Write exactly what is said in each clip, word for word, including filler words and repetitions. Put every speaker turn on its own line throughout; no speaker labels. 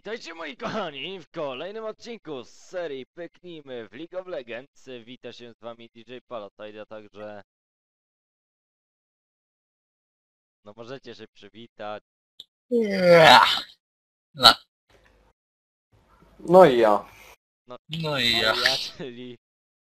Witajcie moi kochani w kolejnym odcinku z serii Pyknijmy w League of Legends. Wita się z wami D J Palatide, a także... No możecie się przywitać.
No.
No i ja.
No,
No i ja.
ja, czyli...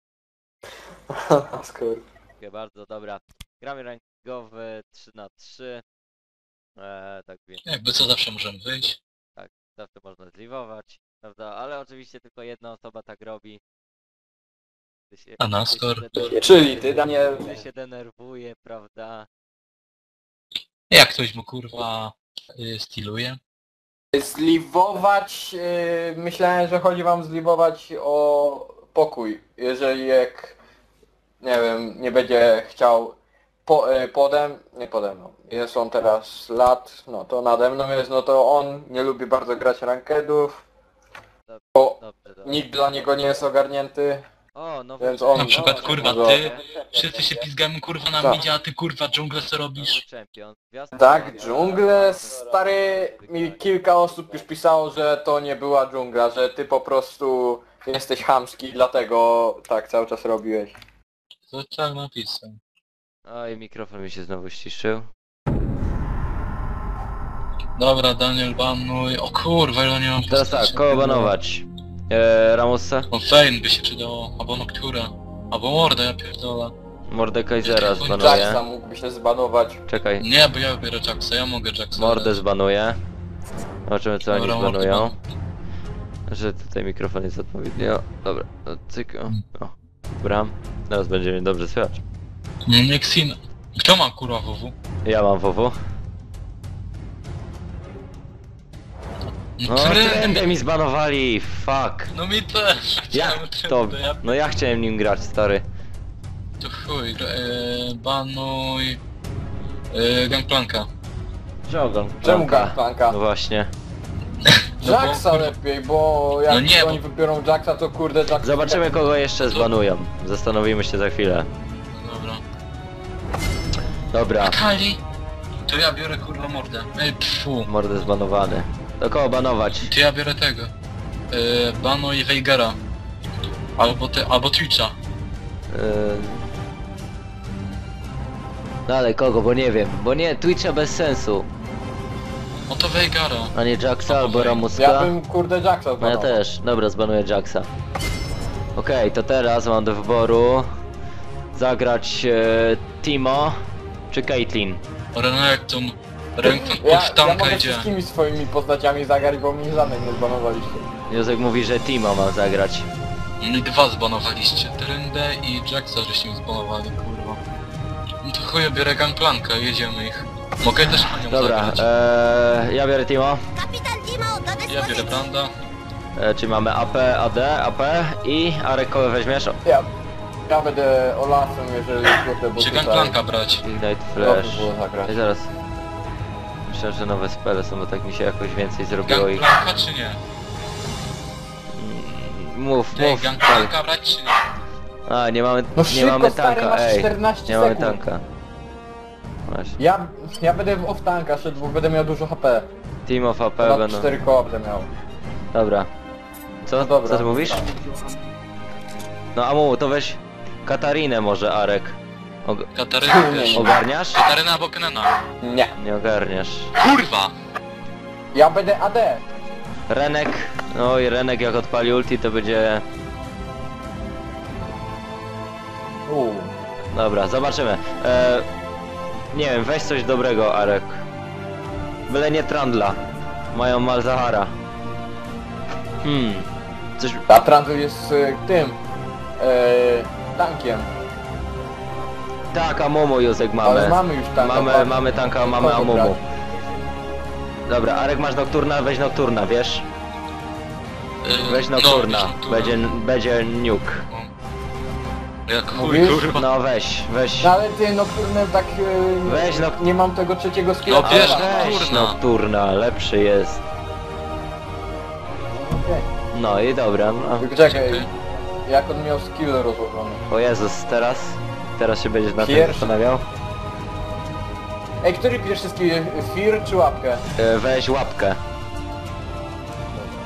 Skoro.
Dziękuję bardzo, dobra. Gramy rankingowy trzy na trzy. Eee, tak więc
Jakby co zawsze możemy wyjść.
zawsze można zliwować, prawda? Ale oczywiście tylko jedna osoba tak robi. Gdy się,
A na
gdy się
skor?
denerwuje-
Czyli ty, Daniel.
Gdy się denerwuje, prawda?
Jak ktoś mu kurwa y, styluje.
Zliwować, yy, myślałem, że chodzi wam zliwować o pokój. Jeżeli jak, nie wiem, nie będzie chciał po, yy, podem, nie pode mną, jest on teraz lat, no to nade mną jest, no to on nie lubi bardzo grać rankedów,
Dobrze,
bo
dobrze, dobrze.
nikt dla niego nie jest ogarnięty.
O, no
Więc on-
Na przykład
no,
kurwa
no,
ty, wszyscy się pizgamy kurwa na
Tak.
midzie, a ty kurwa dżunglę co robisz?
Champion. Gwiazda
Tak,
Champion.
dżunglę, stary, mi kilka osób już pisało, że to nie była dżungla, że ty po prostu jesteś chamski, dlatego tak cały czas robiłeś.
To tak napisał.
Oj, mikrofon mi się znowu ściszył.
Dobra, Daniel banuj. O kurwa, ile nie mam
Teraz tak,
postaci.
kogo banować? Eee, Ramosa?
O Fein by się przydało, albo Noctura, albo Morda, ja pierdolę.
Mordekaisera
Jacksa
zbanuję.
Jacksa mógłby się zbanować.
Czekaj,
Nie, bo ja wybiorę Jacksa, ja mogę Jacksa.
Mordę
dać.
zbanuję. Zobaczymy co oni
Dobra, Mordę
zbanują.
banuj.
Że tutaj mikrofon jest odpowiedni. O, dobra, no, cyk, o, o. Dobra, teraz będzie mnie dobrze słychać.
No nie Xin. Kto ma kurwa W W?
Ja mam W W. No,
Trendy.
trendę mi zbanowali, fuck.
No mi też.
Jak
Chciałem
to?
trendy, ja
No ja chciałem nim grać, stary.
To chuj, e, banuj... E, Gangplanka.
Czemu
Czemu Gangplanka?
No właśnie.
Jacksa
bo-
lepiej, bo jak
No nie,
oni
bo-
wybiorą Jacksa, to kurde Jacksa...
Zobaczymy kogo jeszcze zbanują. Zastanowimy się za chwilę.
Dobra.
Dobra,
Kali? To ja biorę kurwa mordę. Ej, pfu.
mordę zbanowany. Do kogo banować?
To ja biorę tego. E, banuj Weigera. Albo te, albo Twitcha.
Yy... No ale kogo, bo nie wiem. Bo nie, Twitcha bez sensu.
No to Weigera.
A nie Jacksa
No,
albo
ja
Ramuska?
Ja bym kurde Jacksa
No ja
zbanował.
też. Dobra, zbanuję Jacksa. Okej, to teraz mam do wyboru zagrać e, Timo czy Caitlyn.
Renekton. Renekton
Ja,
pod
ja
tanka
mogę
idzie.
wszystkimi swoimi postaciami zagrać, bo mnie żadnej nie zbanowaliście.
Józek mówi, że Timo ma zagrać.
I dwa zbanowaliście. Trendę i Jacksa żeście mi zbanowali, kurwa. No to chuj, ja biorę Gangplanka, jedziemy ich. Mogę też na nią
Dobra,
zagrać.
e, ja biorę Timo.
Kapitan Timo do
Ja
dyspozycji.
biorę Branda.
E, czyli mamy A P, A D, A P i Arek kogo weźmiesz?
Ja, ja będę Olafem, jeżeli kurde, bo
Czy
tutaj...
Gangplanka brać?
Ignite
Dobrze
Flash.
było zagrać.
I zaraz. Myślę, że nowe spele są, bo tak mi się jakoś więcej zrobiło ich.
Gangplanka czy nie?
Mm, Mów,
Ej,
mów.
Gangplanka brać czy nie?
A, nie mamy,
No
nie
szybko,
mamy
stary,
tanka,
masz
ej.
czternaście
Nie mamy
sekund.
tanka. Właśnie.
Ja, ja będę w off tanka szedł, bo będę miał dużo H P.
Team of A P
Ponad
będą.
cztery koła będę miał.
Dobra. Co?
No dobra.
Co ty mówisz? No a mu, to weź Katarinę może, Arek. Og
Kataryna wiesz.
ogarniasz?
Kataryna albo Kenena.
Nie.
Nie ogarniasz.
Kurwa!
Ja będę A D.
Renek, no i Renek jak odpali ulti to będzie...
Uuu.
Dobra, zobaczymy. E, nie wiem, weź coś dobrego, Arek. Byle nie Trandla. Mają Malzahara. Hmm. Coś...
A Trandl jest y, tym... Y, tankiem.
Tak, Amumu Józek mamy.
Ale mamy już tanka.
Mamy,
patrz.
mamy tanka, mamy
Kogo
Amumu.
brać?
Dobra, Arek masz Nocturna, weź Nocturna, wiesz?
Yy,
Weź
no,
Nocturna,
weź Nocturna.
będzie, będzie nuke.
No. Jak chuj,
Mówisz?
kurwa.
No weź, weź.
No ale ty Nocturne tak... Y,
Weź Noc-
Nie mam tego trzeciego skilla.
No bierz
Ale-
Weź
Nocturna.
Nocturna, lepszy jest.
Okej.
No i dobra, no.
Tylko czekaj, jak on miał skill rozłożony.
O Jezus, teraz? Teraz się będziesz na tym
Pierwszy.
zastanawiał?
Ej, który pierwszy skill? Fear czy łapkę?
E, weź łapkę.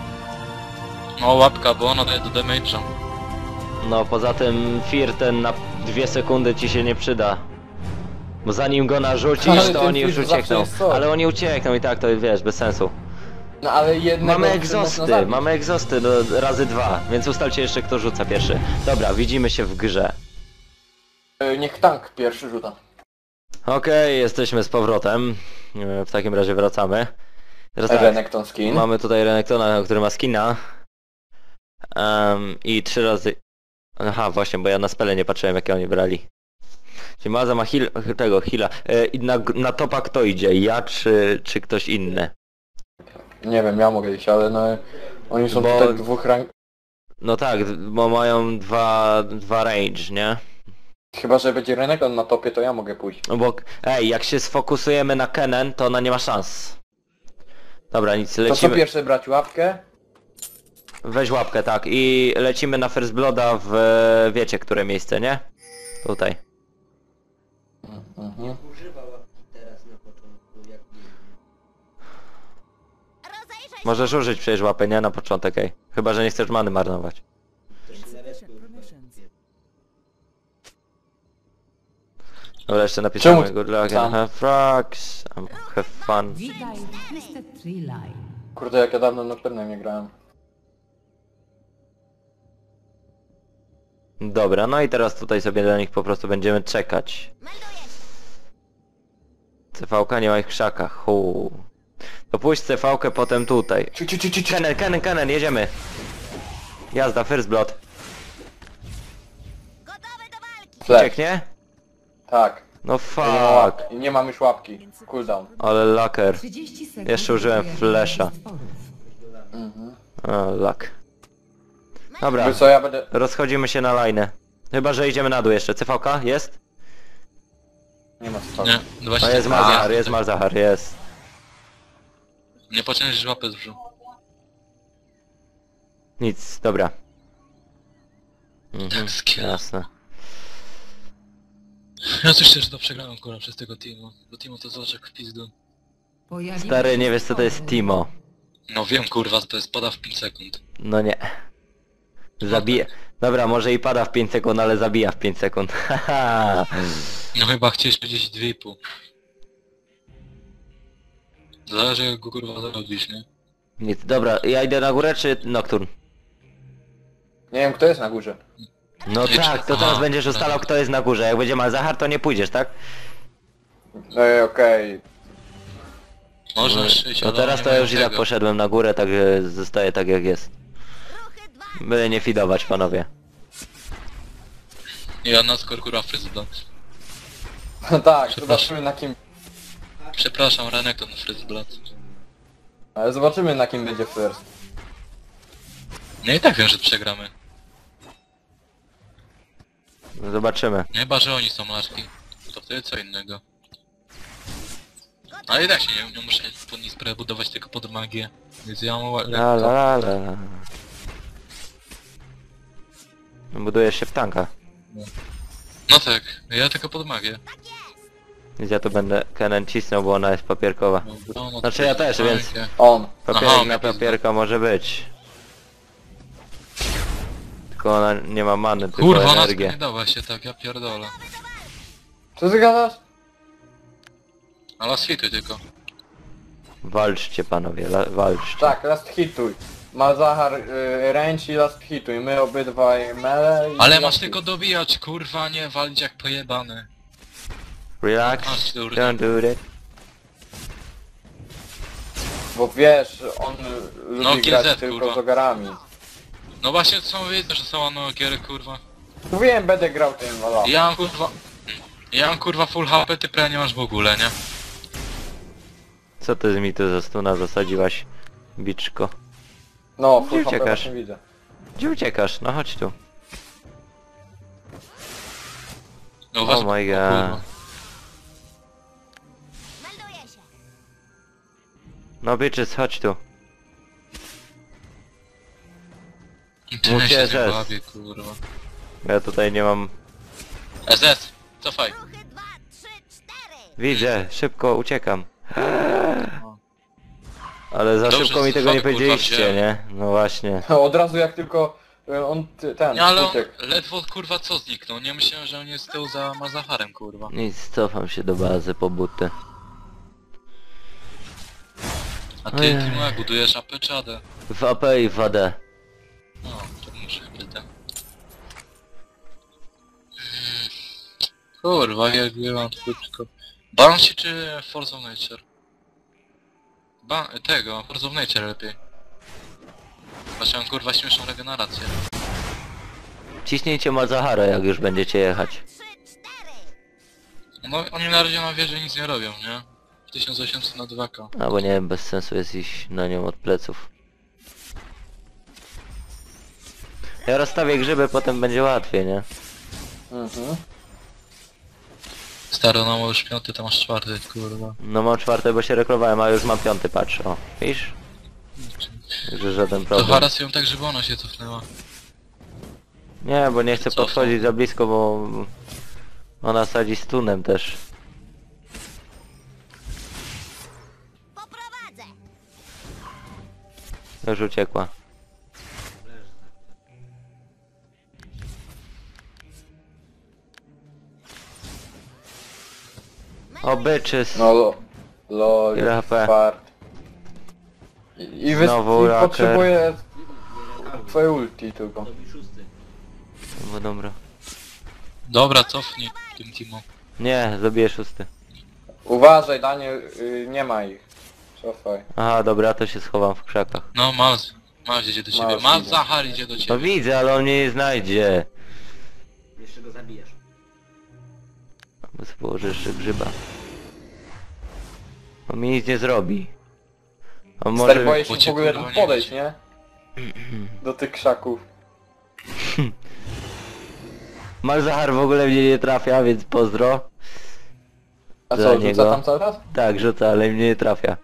No łapka, bo ona daje do damage'a.
No poza tym Fear ten na dwie sekundy ci się nie przyda. Bo zanim go narzucisz,
Ale
to
ten
oni już
Fear zawsze
uciekną.
jest coś.
Ale oni uciekną i tak to wiesz, bez sensu.
No ale jednego
Mamy
można
egzosty,
zabić.
mamy egzosty no, razy dwa, więc ustalcie jeszcze kto rzuca pierwszy. Dobra, widzimy się w grze.
Y, Niech tank pierwszy rzuta.
Okej, jesteśmy z powrotem. E, W takim razie wracamy. Teraz tak,
Renekton skin.
mamy tutaj Renektona, który ma skina. Em, I trzy razy... Aha, właśnie, bo ja na spele nie patrzyłem jakie oni brali. Czyli Maza ma heal, tego, heala. E, I na, na topa kto idzie? Ja czy, czy ktoś inny?
Nie wiem, ja mogę iść, ale no... Oni są
Bo-
tutaj dwóch rank...
No tak, bo mają dwa, dwa range, nie?
Chyba, że będzie Renekton na topie, to ja mogę pójść.
No bo, ej, jak się sfokusujemy na Kennen, to ona nie ma szans. Dobra, nic,
To co
lecimy.
pierwsze brać łapkę?
Weź łapkę, tak. I lecimy na First Blooda w... wiecie, które miejsce, nie? Tutaj.
Mhm.
Możesz użyć przecież łapy, nie? Na początek, ej. Chyba, że nie chcesz many marnować. Dobra, jeszcze napisałem
Czemu
good luck
sam?
and have frogs, um, have fun.
Witaj w Twisted Tree Line.
Kurde, jak ja dawno Nocturnem nie grałem.
Dobra, no i teraz tutaj sobie do nich po prostu będziemy czekać. C V-ka nie ma ich w krzakach, huu. To pójść C V-kę potem tutaj.
Ci, ci, ci, ci, ci.
Kennen, Kennen, Kennen, jedziemy. Jazda, First Blood.
Flash.
Ucieknie?
Tak.
No
Ja nie, mam łap...
fuck.
nie mam już łapki. Cooldown.
Ale laker.
trzydzieści sekund.
Jeszcze użyłem
do
flasha.
stworów.
Mhm.
O, lak. Dobra,
Wiesz co, ja będę...
rozchodzimy się na lajnę. Chyba, że idziemy na dół jeszcze. C V-ka? Jest?
Nie ma co.
Nie, właśnie...
No jest Malzahar, jest Malzahar, jest.
Nie pociągniesz łapę z brzuchu.
Nic, dobra. Mhm,
Tak, skill.
jasne.
Ja coś też to przegrałem kurwa przez tego Timo. Bo Timo to zobaczek w pizdu.
Pojawiły
Stary,
się
nie wiesz co to jest
stwory.
Timo.
No wiem kurwa, to jest pada w pięć sekund.
No nie. Zabija. Dobra, może i pada w pięć sekund, ale zabija w pięć sekund. Haha.
No chyba chciałeś powiedzieć dwie i pół. Zależy jak go kurwa zarobisz, nie?
Nic, dobra, ja idę na górę czy Nocturne?
Nie wiem, kto jest na górze.
No
Nie,
tak, to
aha,
teraz będziesz ustalał
tak.
kto jest na górze. Jak będzie Malzahar, to nie pójdziesz, tak?
Ej, okej.
Można szyć,
No
ale
teraz
nie
to ja
mają
już i tak
tego.
poszedłem na górę, tak e, zostaje tak jak jest. Byle nie fidować, panowie.
Ja na skor kurwa Fryzblat.
No tak,
Przepraszam.
zobaczymy na kim...
Przepraszam, Renekton Fryzblat.
Ale zobaczymy na kim będzie first.
No i tak wiem, że przegramy.
Zobaczymy.
Nie chyba, że oni są laczki. To wtedy co innego. Ale i tak się nie, nie muszę pod nic prebudować tylko pod magię. Więc ja mam
La
lekko.
la la la. Budujesz się w tanka.
No tak, ja tylko pod magię.
Więc ja tu będę Kennen cisnął, bo ona jest papierkowa.
No, no,
Znaczy ja też, więc-
fajnie.
On.
Papierek
Aha,
na
pizda.
papierka może być. Tylko ona nie ma many, tylko
Kurwa, ona
energię.
nie dała się tak, ja pierdolę.
Co ty gadasz?
Ale swituj tylko.
Walczcie panowie, la, walczcie.
Tak, last hituj. Malzahar y, range i last hituj. My obydwaj mele i
Ale
last
masz
hit.
tylko dobijać, kurwa, nie walić jak pojebany.
Relax,
Masz, kurde.
don't do that.
Bo wiesz, on lubi
No, G Z,
grać tylko
kurwa.
z ogarami.
No właśnie, co wiedzę, że są anogiery, kurwa.
Mówiłem, będę grał tym Olaf.
Ja mam kurwa... Ja mam kurwa full H P, ty prawie nie masz w ogóle, nie?
Co ty mi tu za stuna zasadziłaś, biczko?
No,
Gdzie
full H P
uciekasz?
właśnie widzę.
Gdzie uciekasz? No chodź tu.
No
Oh my god. No bitches, chodź tu.
Ty
Muszę
się
S S.
nie bawię, kurwa.
Ja tutaj nie mam...
S S, cofaj.
Widzę, szybko uciekam. Ale za
Dobrze,
szybko mi
że
tego nie
fuck, kurwa,
powiedzieliście,
wziąłem.
nie? No właśnie.
Od razu jak tylko y, on ty, ten
Nie, ale on
uciekł.
ledwo kurwa co zniknął, nie myślałem, że on jest z tyłu za Mazaharem kurwa.
Nic, cofam się do bazy po buty.
A ty,
Ojej.
Timo, jak budujesz A P czy A D?
W A P i w A D.
No, to muszę hybrydę. Kurwa, jak byłam tylko... Banshee czy Force of Nature? Ba tego, Force of Nature lepiej. Zobaczyłem kurwa śmieszną regenerację.
Ciśnijcie Mazahara, jak już będziecie jechać.
No oni na razie na wieży nic nie robią, nie? tysiąc osiemset na dwa K.
Albo nie wiem, bez sensu jest iść na nią od pleców. Ja rozstawię grzyby, potem będzie łatwiej, nie?
Mhm.
Staro, no już piąty, to masz czwarty, kurwa.
No mam czwarte, bo się reklowałem, a już mam piąty, patrz, o. Widzisz? Że żaden
To
problem.
haras ją tak, żeby ona się cofnęła.
Nie, bo nie chcę
Co to?
podchodzić za blisko, bo... Ona sadzi stunem też. Już uciekła. O, bitches.
No lo, lol,
Ile H P?
fart. I, i, wys-
Znowu
i
raker.
potrzebuję twoje ulti tylko.
No dobra.
Dobra, cofnij tym Timo.
Nie, zabiję szósty.
Uważaj Daniel, y, nie ma ich. Cofaj.
Aha, dobra, to się schowam w krzakach.
No, Maz. Maz idzie do ciebie.
Maz
Maz
idzie.
Zahar idzie do
No
ciebie.
widzę, ale on mnie nie znajdzie.
Jeszcze go zabijesz.
Bo sobie położę jeszcze grzyba. On mi nic nie zrobi. On
Stary,
może...
boję
bo
się
cię
w ogóle
kurwa
tam
nie
podejść,
widzi.
nie? Do tych krzaków.
Malzahar w ogóle mnie nie trafia, więc pozdro.
A
Za
co, rzuca
niego.
tam cały czas?
Tak, rzuca, ale mnie nie trafia.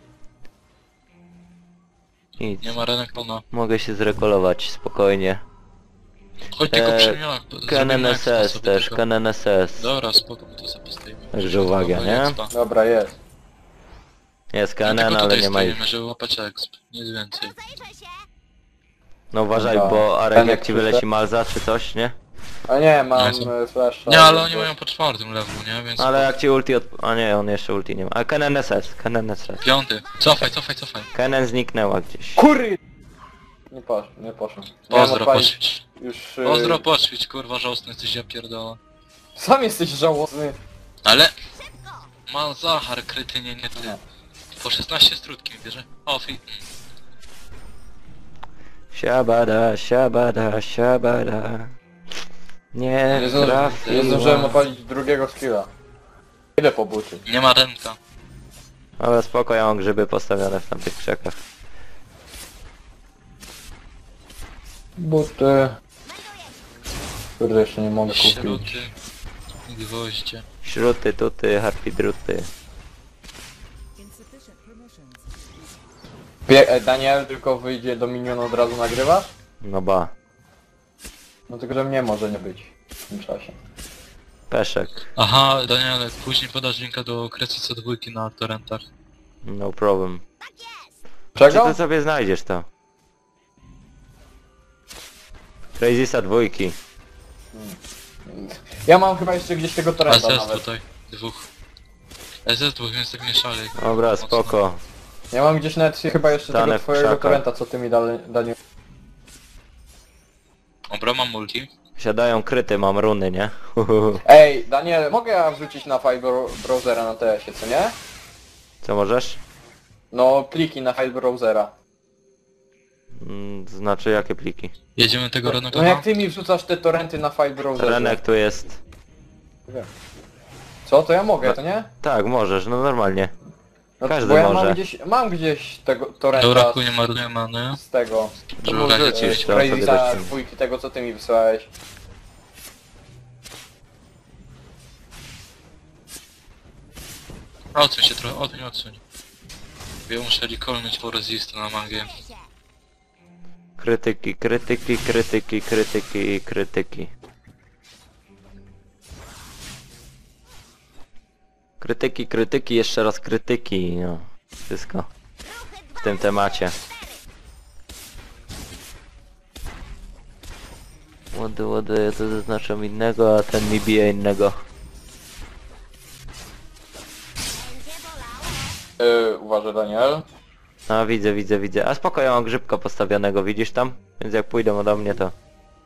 Nic.
Nie ma Renektona.
Mogę się zrekolować spokojnie.
Chodź tylko
Eee,
przy mnie.
Canon S S też, Canon S S.
Dobra, spoko, my to sobie postawimy.
Także uwaga, nie?
Dobra, jest.
Jest
No,
Canon,
tylko
ale
tutaj
nie ma ich.
stoimy, żeby łapać exp. Nic więcej.
No uważaj,
Dobra.
bo Arek
Ten
jak
jak
ci
przyszedł?
wyleci Malza czy coś, nie?
A nie, mam
Nie,
e, flasha.
Nie, ale oni
bo-
mają po czwartym levelu, nie? Więc...
Ale jak ci ulti od... A nie, on jeszcze ulti nie ma. A Canon S S, Canon S S.
Piąty. Cofaj, cofaj, cofaj.
Canon zniknęła gdzieś.
Kury! Nie posz, nie poszło. Miałem
Pozdro,
odpalić
poćwicz.
Już... e,
Pozdro, poćwicz, kurwa, żałosny jesteś, ja pierdolę.
Sam jesteś żałosny.
Ale... Ma Zahar, krytynie, nie ty. Po szesnaście strutki mi bierze. O, fi...
Siabada, siabada, siabada. Nie
Nie, zdąży,
trafiła.
nie zdążyłem odpalić drugiego skilla. Idę po buty.
Nie ma Renka.
Ale spoko, ja mam grzyby postawione w tamtych krzakach.
Buty... Kurde, jeszcze nie mogę kupić.
Śruty. I gwoździe.
Śruty, tuty, harpidruty.
Pie e, Daniel tylko wyjdzie do minionu od razu nagrywasz?
No ba.
No tylko, że mnie może nie być w tym czasie.
Peszek.
Aha, Daniele, później podasz linka do kresu C dwa na torrentach.
No problem. Czy
Czego?
ty sobie znajdziesz to? Crazysa dwójki.
Ja mam chyba jeszcze gdzieś tego torrenta
S S
nawet.
tutaj, dwóch. S S dwóch, więc tak nie szalej.
Dobra,
Mocno.
spoko.
Ja mam gdzieś nawet chyba jeszcze
Stanę
tego
w
twojego
krzakach.
torrenta, co ty mi dali, Daniel.
Dobra, mam multi.
Siadają kryty, mam runy, nie?
Ej, Daniel, mogę ja wrzucić na file bro browsera na T S-ie, co nie?
Co możesz?
No, pliki na file browsera.
Mm, Znaczy jakie pliki?
Jedziemy tego
No
Renekona?
jak ty mi wrzucasz te torrenty na file browserze?
Renek tu jest.
Co? To ja mogę, to nie?
Tak, możesz, no normalnie.
No,
Każdy
bo ja
może.
mam gdzieś, mam gdzieś tego torrenta
Dobra, nie marnuję many.
z tego.
To
Żeby
mu
w razie
wrzucisz,
coś-
to sobie
Crazysa
zacznie.
dwójki tego, co ty mi wysłałeś.
Odsuń się trochę, odsuń, odsuń. Ja muszę recallnąć po resistę na magię.
Krytyki, krytyki, krytyki, krytyki, krytyki. Krytyki, krytyki, jeszcze raz krytyki, no. Wszystko. tym temacie. Łody, łody, to zaznaczam innego, a ten mi bije innego.
Yy, uważaj, Daniel.
No widzę, widzę, widzę. A spoko, ja mam grzybka postawionego, widzisz tam? Więc jak pójdą ode mnie to...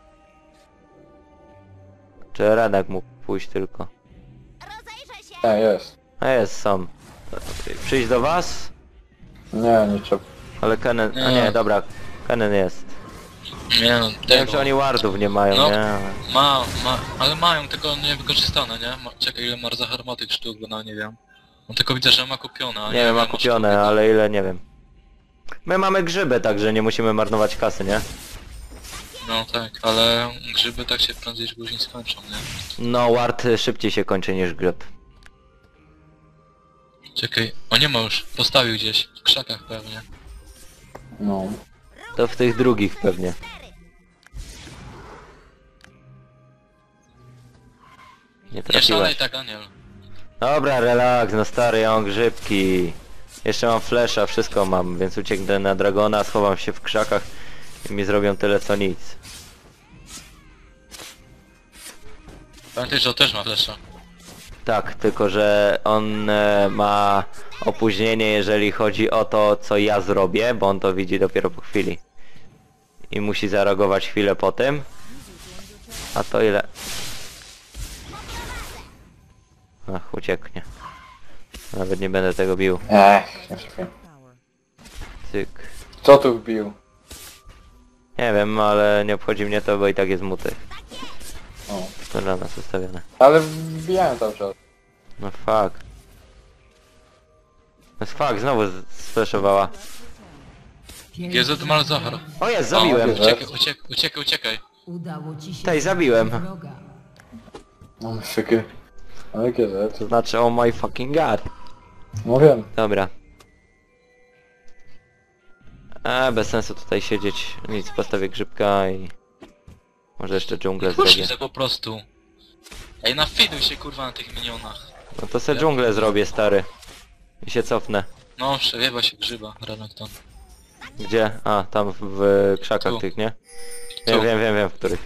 Czy Renek mógł pójść tylko?
Nie, jest.
A jest, są. Przyjść do was?
Nie, nie trzeba.
Ale Kenen... A
Nie.
nie, dobra. Kenen jest.
Nie no,
Nie wiem,
tego.
czy oni wardów nie mają,
No.
nie?
Ma, ma, ale mają, tylko niewykorzystane, nie? Ma, czekaj, ile ma Zahar tych sztuk, bo no nie wiem. No tylko widzę, że ma kupione, a
Nie wiem, ma
ile
kupione,
sztuk,
ale ile nie wiem. My mamy grzyby, także nie musimy marnować kasy, nie?
No tak, ale grzyby tak się prędzej czy później skończą, nie?
No, ward szybciej się kończy niż grzyb.
Czekaj, o nie ma już, postawił gdzieś, w krzakach pewnie.
No.
To w tych drugich pewnie. Nie
Nie
trafiłeś.
szalej tak, Daniel.
Dobra, relaks, no stary, ja mam grzybki. Jeszcze mam flesza, wszystko mam, więc ucieknę na dragona, schowam się w krzakach i mi zrobią tyle co nic.
Pamiętaj, że on też ma flesza.
Tak, tylko że on e, ma opóźnienie, jeżeli chodzi o to, co ja zrobię, bo on to widzi dopiero po chwili. I musi zareagować chwilę po tym. A to ile? Ach, ucieknie. Nawet nie będę tego bił.
Ech, nie trafię.
Cyk.
Co tu wbił?
Nie wiem, ale nie obchodzi mnie to, bo i tak jest muty.
O.
To dla nas ustawione.
Ale wbijałem cały czas.
No fuck. No fuck, znowu z- sflashowała.
G Z mal Zahar.
O jest, zabiłem.
O,
Uciekaj, uciekaj, uciekaj, uciekaj.
Udało ci się
Tej, zabiłem.
zabić wroga.
No szyky. Ale kiedy?
To znaczy, oh my fucking god.
No wiem.
Dobra. A bez sensu tutaj siedzieć. Nic, postawię grzybka i... Może jeszcze dżunglę
Puść
zrobię.
się po prostu. Ej, nafiduj się kurwa na tych minionach.
No to se dżunglę zrobię, stary. I się cofnę.
No, przewiewa się grzyba, Renekton.
Gdzie? A, tam w krzakach
Tu.
tych, nie? Wiem,
Tu.
wiem, wiem, wiem, w których.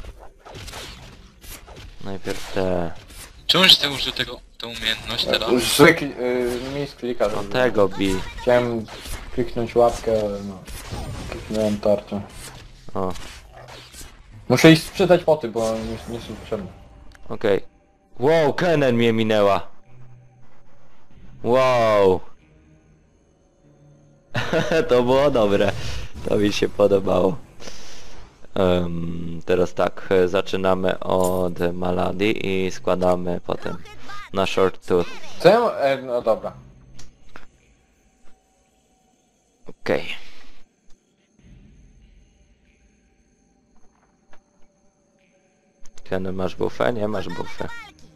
Najpierw te...
Czemuś ty użył tego, tę umiejętność teraz?
Zły kli- y, mi z klika.
No
żeby-
tego bi.
Chciałem kliknąć łapkę, ale no. Kliknąłem tarczę.
O,
Muszę iść sprzedać poty, bo nie, nie są potrzebne.
okej. Wow, Kenen mnie minęła. Wow. To było dobre. To mi się podobało. Em, teraz tak, e, zaczynamy od Maladi i składamy potem na Short Tooth.
Co ja ma- e, no dobra.
Okej. Kenen, masz bufę? Nie masz bufę.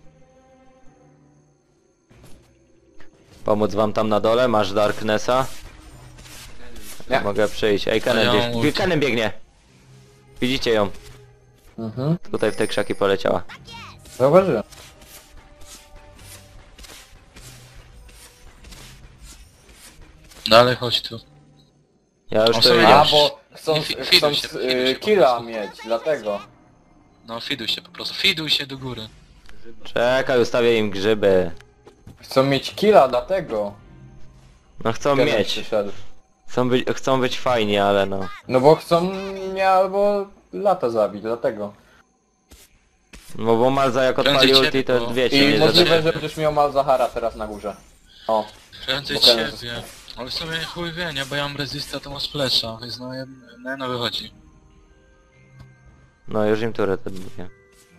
Pomóc wam tam na dole? Masz Darknessa?
Nie.
Mogę przyjść. Ej,
A
Kenen
ja
gdzieś...
mam ulti.
Kenen biegnie! Widzicie ją?
Mhm.
Tutaj w te krzaki poleciała.
Zauważyłem.
Dalej chodź tu.
Ja już
O,
to
sobie
idę.
A,
już.
bo chcą,
Nie, fi-
chcą
fiduj się, fiduj się
y,
po
killa
prostu.
mieć, dlatego.
No, fiduj się po prostu. Fiduj się do góry.
Czekaj, ustawię im grzyby.
Chcą mieć killa, dlatego.
No chcą
Kenen
mieć.
przyszedł.
Chcą być, chcą być fajni, ale no.
No bo chcą mnie albo lata zabić, dlatego.
No bo Malza jak
Prędzej
odpali
ciebie,
ulti, to
bo-
wiecie,
I
nie
możliwe,
zadanie.
że będziesz miał Malzahara teraz na górze. O.
Prędzej
Bo ten-
ciebie. Ale w sumie chuj wie, nie? Bo ja mam resista, to mam splasha, więc no, jed- no, jedno wychodzi.
No już im turę ten mówię.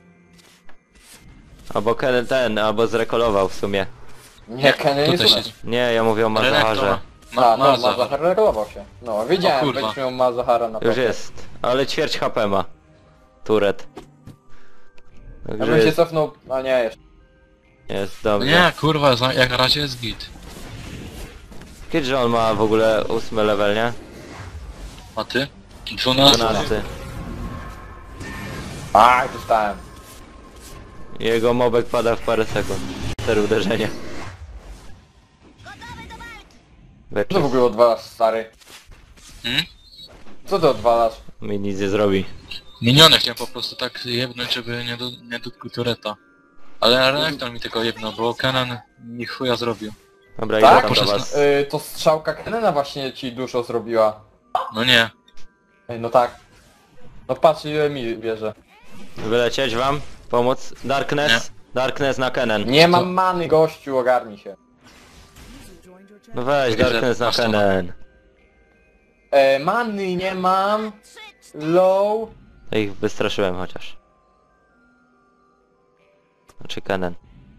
Albo Kenen ten, albo zrekolował w sumie.
Nie, Kenny nie
Tutaj
słucha.
siedzi.
Nie, ja mówię o Malzaharze.
Renekton.
A,
Ma,
no,
ma, ma,
Malzahar regulował się. No, wiedziałem,
kurwa.
będziesz miał Malzahara na
Już
to.
jest. Ale ćwierć H P ma. Turet.
Ja
Także
bym się
jest,
cofnął, a nie, jeszcze.
jest dobrze.
Nie, kurwa, za- jak na razie jest git.
Kiedy że on ma w ogóle ósmy level, nie?
A ty? dwunasty.
dwunasty.
Aj, dostałem.
Jego mobek pada w parę sekund. Cztery uderzenia.
Co to
Weczór.
w ogóle odwalasz, stary?
Hmm?
Co ty odwalasz?
Mi nic nie zrobi.
Miniony chciałem po prostu tak jebnąć, żeby nie, do, nie dotknął tureta. Ale Renekton mi tylko jebnął, bo Kenan mi chuja zrobił.
Dobra,
Tak?
idę tam do
Poszedł
was.
Y, to strzałka Kenena właśnie ci dużo zrobiła.
No nie.
Ej, no tak. No patrz ile mi bierze.
Wylecieć wam? Pomóc? Darkness? Darkness na Kennen.
Nie mam many, gościu, ogarnij się.
No weź,
Widzę,
Darkness na
masz to.
Kennen.
E, many nie mam. Low.
Ja ich wystraszyłem chociaż. Znaczy Kennen.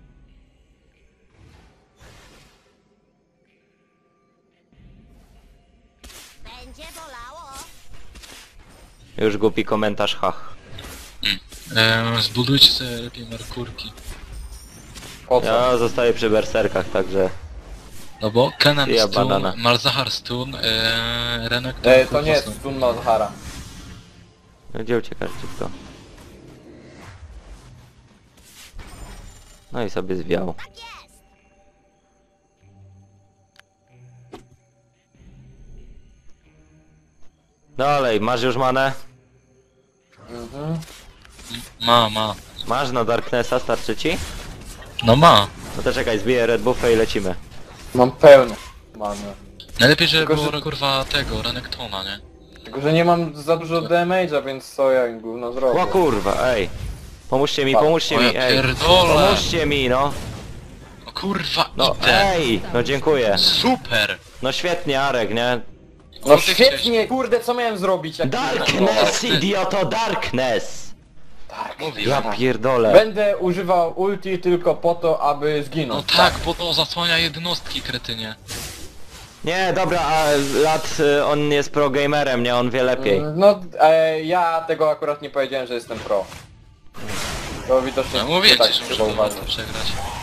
Będzie bolało.
Już głupi komentarz, hach.
Eee, zbudujcie sobie lepiej Merkurki.
Po co?
Ja zostaję przy berserkach, także...
No bo Kenan
Ja
stun,
banana.
Malzahar stun, eee, Renekton
E, to
full
nie jest
stun.
stun Malzahara.
No gdzie uciekasz szybko? No i sobie zwiał. Dalej, masz już manę?
Mhm.
Ma, ma.
Masz na Darknessa, starczy ci?
No ma.
No to czekaj, zbiję Red Buffa i lecimy.
Mam pełno many.
Najlepiej, żeby
Tylko,
było
że-
kurwa tego, Renektona, nie?
Tylko, że nie mam za dużo damage'a, więc co ja im gówno zrobię?
O kurwa, ej! Pomóżcie mi,
O,
pomóżcie
O
mi,
ja
ej!
pierdolę!
Pomóżcie mi, no!
O kurwa,
No
idę!
ej! No dziękuję.
Super!
No świetnie, Arek, nie?
No
O, ty
świetnie, kurde, co miałem zrobić jak...
Darkness, idioto, Darkness!
Tak,
Mówiłem.
Ja pierdolę.
Będę używał ulti tylko po to, aby
No
zginąć.
tak, bo to zasłania jednostki, kretynie.
Nie, dobra, a Lat, y, on jest pro gamerem, nie? On wie lepiej.
Mm, No, e, ja tego akurat nie powiedziałem, że jestem pro. To widocznie
No mówię
tak
ci, że
trzeba
muszę to
uważać.
przegrać.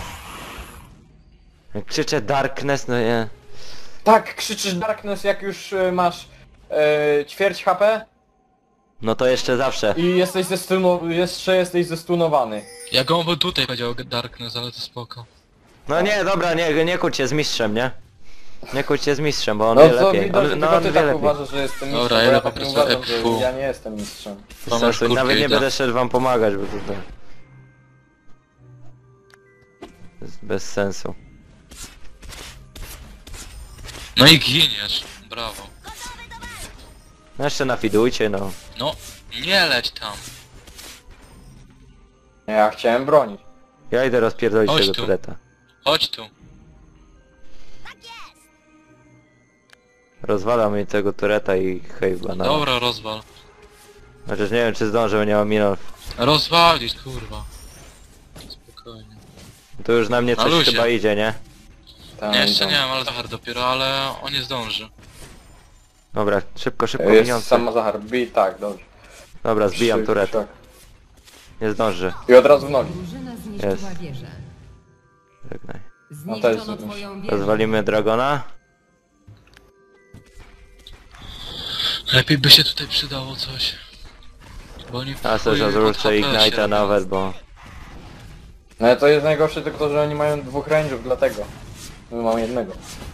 Jak krzyczę Darkness, no nie.
Tak, krzyczysz Darkness jak już e, masz e, ćwierć H P
No to jeszcze zawsze.
i jesteś zestuno, jeszcze jesteś zestunowany.
Ja go by tutaj powiedział Darkness, ale to spoko.
No nie, dobra, nie, nie kłóć się z mistrzem, nie? Nie kłóć się z mistrzem, bo on
No
wie
to
lepiej.
widać,
On,
że
no
tylko
on
ty
wie
tak
lepiej.
uważasz, że jestem mistrzem,
Dobra,
bo
idę
ja
po
tak nie
prostu
uważam,
F W.
że ja nie jestem mistrzem.
Bez
Tomasz,
sensu.
kurkę
Nawet nie
idę.
będę szedł wam pomagać, bo to tak. Jest bez sensu.
No i giniesz. Brawo.
No jeszcze nafidujcie, no.
No, nie leć tam.
Nie, ja chciałem bronić.
Ja idę rozpierdolić
Chodź
tego
tu.
tureta.
Chodź tu.
Rozwalam mi tego tureta i hej banana.
Dobra, rozwal.
Chociaż nie wiem czy zdążę, bo nie mam minut.
Rozwalić, kurwa. Spokojnie.
To już na mnie
Na
coś
luzie.
chyba idzie, nie?
Tam,
Nie, jeszcze
tam.
nie wiem, ale Zahar dopiero, ale on nie zdąży.
Dobra, szybko, szybko
Jest
miniące.
samo Zahar, bij, tak, dobrze.
Dobra, zbijam
Trzy,
tureta.
tak.
Nie zdąży.
I od razu w nogi.
Drużyna zniszczyła
Jest.
wieżę.
Żegnaj.
Zniszczono
też
twoją wieżę.
Rozwalimy Dragona.
Lepiej by się tutaj przydało coś. Bo oni
A
w
też
chuj
rozruszę
pod H P się
Ignite'a
robią.
nawet, bo...
No ale to jest najgorsze tylko, że oni mają dwóch range'ów, dlatego. My mamy jednego.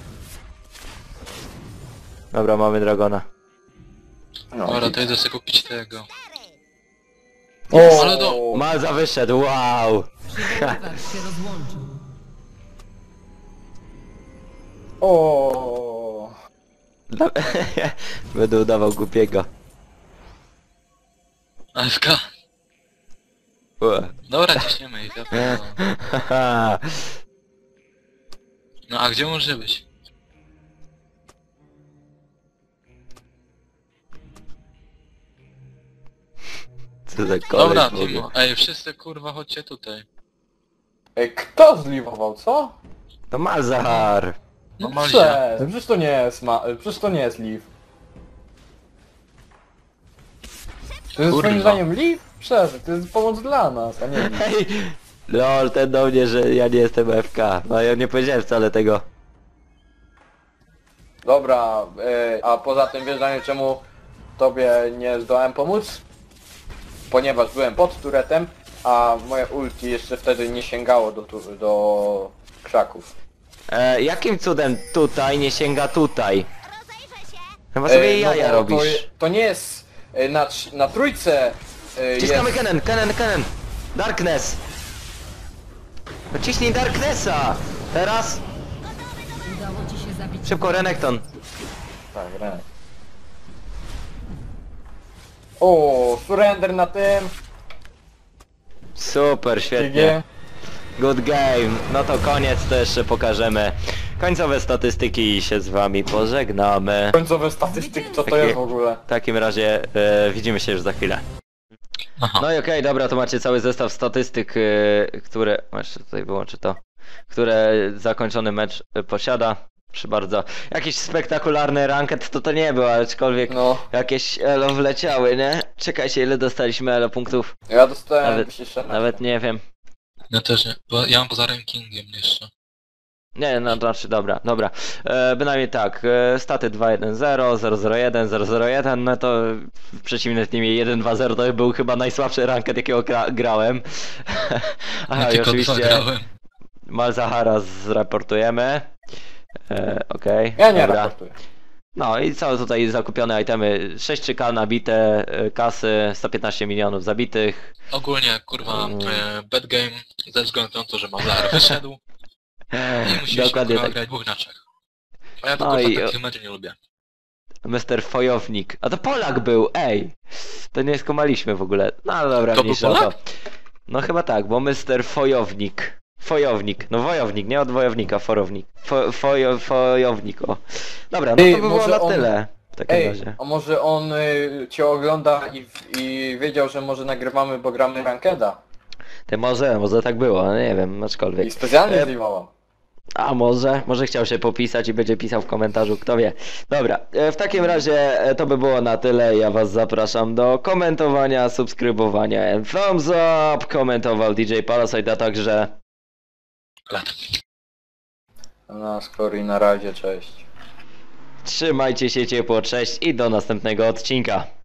Dobra, mamy Dragona.
No,
Dobra,
i-
to idę sobie kupić tego.
O,
ale do-
Malza wyszedł, wow!
Przygotowacz się rozłączył.
o.
Będę udawał głupiego.
A F K.
Ue.
Dobra, ciśniemy ich. ja pierdolę.
Haha.
No a gdzie może być?
Co za koleś
Dobra,
w ogóle.
Timo. Ej, wszyscy kurwa chodźcie tutaj.
Ej, kto zliwował, co?
To Malzahar!
No
No
Malzia.
przecież, przecież to nie jest ma... Przecież to nie jest Leaf. To jest
Kurwa.
swoim zdaniem Leaf? Przecież, to jest pomoc dla nas, a nie Leaf.
Hej! Lol, ten do mnie, że ja nie jestem F K. No ja nie powiedziałem wcale tego.
Dobra, e, a poza tym wiesz Daniel, czemu tobie nie zdołałem pomóc? Ponieważ byłem pod turetem, a moje ulti jeszcze wtedy nie sięgało do, tu, do krzaków.
E, jakim cudem tutaj nie sięga tutaj?
Rozejrzę się.
Chyba sobie
E, no
jaja
bo
robisz.
To, je- to nie jest e, na, trz- na trójce e,
Ciskamy
jest...
Kennen, Kennen, Kennen! Darkness! No ciśnij Darknessa! Teraz!
Udało ci się zabić.
Szybko, Renekton!
Tak, Renek. O, surrender na tym.
Super, świetnie.
G G.
Good game. No to koniec, to jeszcze pokażemy końcowe statystyki i się z wami pożegnamy.
Końcowe statystyki, co to
Takie-
jest w ogóle?
W takim razie e, widzimy się już za chwilę.
Aha.
No i okej, dobra, to macie cały zestaw statystyk, e, które... Jeszcze tutaj wyłączę to. Które zakończony mecz e, posiada. Proszę bardzo. Jakiś spektakularny ranket to to nie był, aczkolwiek
No,
jakieś elo wleciały, nie? Czekajcie, ile dostaliśmy elo punktów?
ja dostałem
Nawet-
nawet,
Nawet nie wiem.
Ja też nie, bo ja mam poza rankingiem jeszcze.
Nie, no to znaczy dobra, dobra. E, bynajmniej tak, e, staty dwa jeden zero, zero zero jeden, zero zero jeden, no to w przeciwnym teamie jeden dwa zero to był chyba najsłabszy ranket jakiego gra grałem. Aha,
Ja
i
tylko
oczywiście
dwa grałem.
Malzahara zraportujemy. E, Okej,
Ja nie
dobra.
raportuję.
No i co tutaj zakupione itemy, sześć K nabite, e, kasy, sto piętnaście milionów zabitych.
Ogólnie, kurwa,
Mm.
e, bad game ze względu na to, że Mazar wyszedł i musieliśmy
Dokładnie
kurwa
tak.
grać dwóch na trzech. A ja to
No
kurwa
i-
takich meczów nie lubię.
mister Fojownik. A to Polak był, ej! To nie skumaliśmy w ogóle. No dobra,
To był
mniejsza o
Polak?
to. No chyba tak, bo mister Fojownik. Fojownik, no wojownik, nie od wojownika, forownik. Fo, fojo, fojownik, o. Dobra, no to
Ej,
by było
może
na
on-
tyle. W takim
Ej,
razie.
a może on y, cię ogląda i, i wiedział, że może nagrywamy, bo gramy Rankeda.
Ty może, może tak było, no nie wiem,
I
aczkolwiek.
specjalnie
E,
zlimował.
A może, może chciał się popisać i będzie pisał w komentarzu, kto wie. Dobra, e, w takim razie e, to by było na tyle. Ja was zapraszam do komentowania, subskrybowania and thumbs up. Komentował D J Palasite, a także...
Lat.
Na skoro i na razie, cześć.
Trzymajcie się ciepło, cześć i do następnego odcinka.